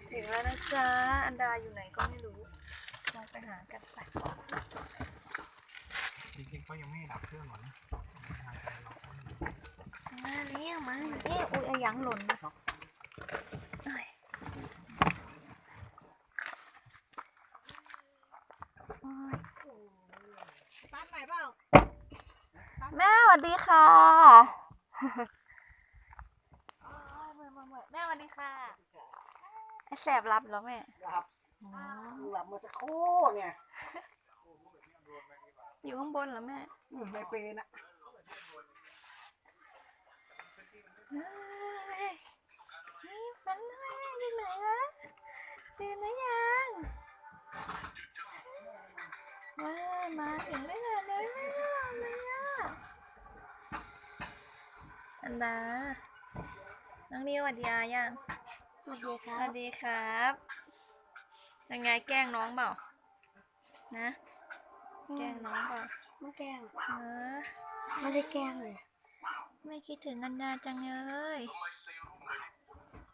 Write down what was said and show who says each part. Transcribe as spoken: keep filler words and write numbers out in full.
Speaker 1: ถึงแล้วนะจ๊ะอันดาอยู่ไหนก็ไม่รู้ลองไปหากันไป
Speaker 2: จริงๆก็ยังไม่ดับเครื่องหรอกนะ
Speaker 1: มาเรียกมาเอ๊ะอุ้ยอะยังหล่นนะ
Speaker 3: ปั้นใหม่เปล่า
Speaker 1: แม่สวัสดีค่ะแม่สวัสดีค่ะไอแสบรับแล้วแม่
Speaker 4: หลับหลับมาสักครู่เนี่ย
Speaker 1: อยู่ข้างบนเหรอแม่
Speaker 4: ในเปนอะ
Speaker 1: นี่มันแม่อยู่ไหนวะตื่นหรือยังว้ามาถึงไม่นานเลยแม่หลับเลยอ่ะอันดาน้องนิวสวัสดีอายัง
Speaker 3: สวัสดีครั
Speaker 1: สวั
Speaker 3: บ
Speaker 1: สดีครับยังไงแกล้งน้องเปล่านะแกล้งน้องเปล่า
Speaker 3: ไม่แกล้ง
Speaker 1: เออ
Speaker 3: ไม่ได้แกล้งเลย
Speaker 1: ไม่คิดถึงอันดาจังเลย